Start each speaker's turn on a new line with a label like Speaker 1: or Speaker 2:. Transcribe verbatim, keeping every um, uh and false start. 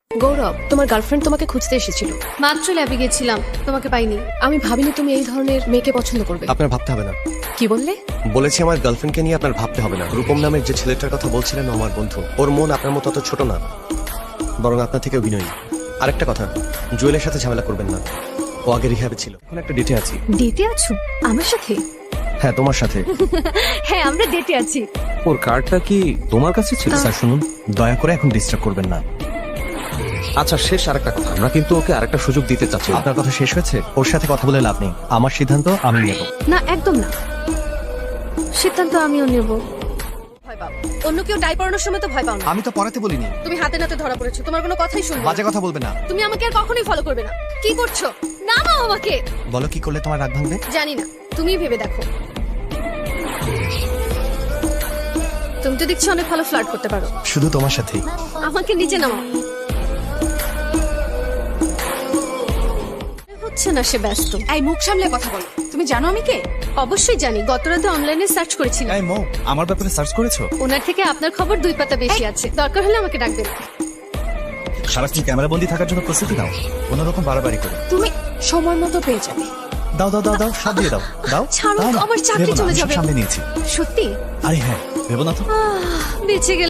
Speaker 1: গৌরব, তোমার গার্লফ্রেন্ড তোমাকে খুঁজতে এসেছিল।
Speaker 2: মাত্র ল্যাবে গেছিলাম, তোমাকে পাইনি।
Speaker 1: আমি ভাবিনি তুমি এই ধরনের মেয়েকে পছন্দ করবে।
Speaker 3: আপনার ভাবতে হবে না।
Speaker 1: কি বললে?
Speaker 3: বলেছি আমার গার্লফ্রেন্ডকে নিয়ে আপনার ভাবতে হবে না। রূপম নামের যে ছেলেটার কথা বলছিলেন ও আমার বন্ধু। ওর মন আপনার মতো অত ছোট না, বরং আপনার থেকে অভিনয়ী। আরেকটা কথা, জুয়েলের সাথে ঝামেলা করবেন না। ও আগে রিহ্যাবে ছিল, এখন একটা ডেটে আছি।
Speaker 2: ডেটে আছো আমার সাথে?
Speaker 3: হ্যাঁ, তোমার সাথে।
Speaker 2: হ্যাঁ, আমরা ডেটে আছি।
Speaker 4: ওর কার্ডটা কি তোমার কাছে ছিল?
Speaker 3: স্যার শুনুন, দয়া করে এখন ডিস্টার্ব করবেন না।
Speaker 4: আচ্ছা, শেষ আরেকটা কথা, আমরা কিন্তু ওকে আরেকটা সুযোগ দিতে চাচ্ছি।
Speaker 3: আপনার কথা শেষ হয়েছে? ওর সাথে কথা বলে লাভ নেই। আমার সিদ্ধান্ত আমি নেব।
Speaker 2: না, একদম না। সিদ্ধান্ত আমিও নেব।
Speaker 1: ভয় পাও? অন্য কেউ টাই পড়ানোর সময় তো ভয় পাও না।
Speaker 3: আমি তো পড়াতে বলিনি।
Speaker 1: তুমি হাতে নাতে ধরা পড়েছো, তোমার কোনো কথাই শুনবো না।
Speaker 3: বাজে কথা বলবে না।
Speaker 1: তুমি আমাকে আর কখনোই ফলো করবে না। কি করছো? নামাও আমাকে।
Speaker 3: বলো কি করলে তোমার রাগ ভাঙবে?
Speaker 1: জানি না, তুমিই ভেবে দেখো। তুমি তো দেখছি অনেক ভালো ফ্লার্ট করতে পারো।
Speaker 3: শুধু তোমার সাথেই।
Speaker 1: আমাকে নিচে নামাও। হচ্ছে না, সে ব্যস্ত।
Speaker 5: এই মুখ সামলে কথা বলো। তুমি জানো আমি কে?
Speaker 1: অবশ্যই জানি, গত রাতে অনলাইনে সার্চ করেছিলাম।
Speaker 3: এই মো, আমার ব্যাপারে সার্চ করেছো?
Speaker 1: ওনার থেকে আপনার খবর দুই পাতা বেশি আছে, দরকার হলে আমাকে ডাকবেন।
Speaker 3: সারাক্ষণ ক্যামেরা বন্দি থাকার জন্য প্রস্তুতি নাও, কোনো রকম বাড়াবাড়ি করে।
Speaker 5: তুমি সময় মতো পেয়ে যাবে।
Speaker 3: দাও দাও দাও দাও, সব দিয়ে দাও দাও।
Speaker 1: ছাড়ো,
Speaker 3: দাও না।
Speaker 1: আমার চাকরি
Speaker 3: ভেবো না,
Speaker 1: চলে
Speaker 3: আমি সব
Speaker 1: যাবে।
Speaker 3: সামলে নিয়েছি।
Speaker 1: সত্যি?
Speaker 3: আরে হ্যাঁ, ভেবো না তো।
Speaker 1: বেঁচে গেল।